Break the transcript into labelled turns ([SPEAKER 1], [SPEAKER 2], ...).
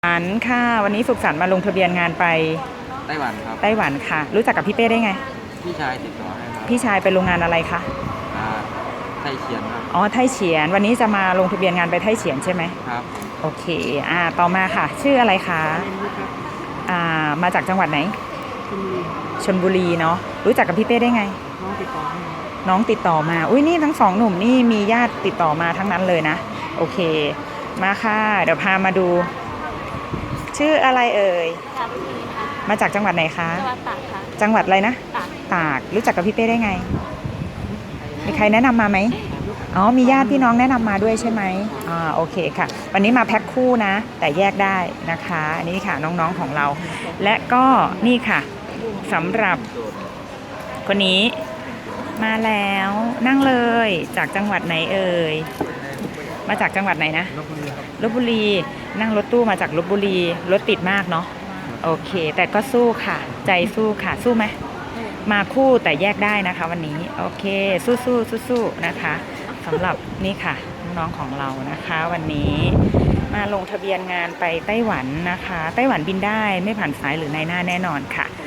[SPEAKER 1] อันค่ะวันนี้สุขสันต์มาลงทะเบียนงานไป
[SPEAKER 2] ไต้หวันครับ
[SPEAKER 1] ไต้หวันค่ะรู้จักกับพี่เป้ได้ไง
[SPEAKER 2] พี่ชายติดต่อให้ครับ
[SPEAKER 1] พี่ชายไปโรงงานอะไรคะ
[SPEAKER 2] อ่าไทยเขียนครับ
[SPEAKER 1] อ๋อไทเฉียนวันนี้จะมาลงทะเบียนงานไปไทเฉียนใช่ไหม
[SPEAKER 2] ครับ
[SPEAKER 1] โอเคต่อมาค่ะชื่ออะไรคะมาจากจังหวัดไหนชลบุรีเนาะรู้จักกับพี่เป้ได้ไงน้องติดต่อมาอุ้ยนี่ทั้งสองหนุ่มนี่มีญาติติดต่อมาทั้งนั้นเลยนะโอเคมาค่ะเดี๋ยวพามาดูชื่ออะไรเอ่ยมาจากจังหวัดไหนคะ
[SPEAKER 3] จังหวัดตากค่ะ
[SPEAKER 1] จังหวัดอะไรนะ
[SPEAKER 3] ตาก
[SPEAKER 1] ตากรู้จักกับพี่เป้ได้ไงมีใครแนะนำมาไหมอ๋อมีญาติพี่น้องแนะนำมาด้วยใช่ไหมโอเคค่ะวันนี้มาแพ็คคู่นะแต่แยกได้นะคะอันนี้ค่ะน้องๆของเราและก็นี่ค่ะสำหรับคนนี้มาแล้วนั่งเลยจากจังหวัดไหนเอ่ยมาจากจังหวัดไหนนะลพบุรีนั่งรถตู้มาจากลพบุรีรถติดมากเนาะโอเคแต่ก็สู้ค่ะใจสู้ค่ะสู้ไหมมาคู่แต่แยกได้นะคะวันนี้โอเคสู้นะคะสำหรับนี่ค่ะน้องๆของเรานะคะวันนี้มาลงทะเบียนงานไปไต้หวันนะคะไต้หวันบินได้ไม่ผ่านสายหรือในหน้าแน่นอนค่ะ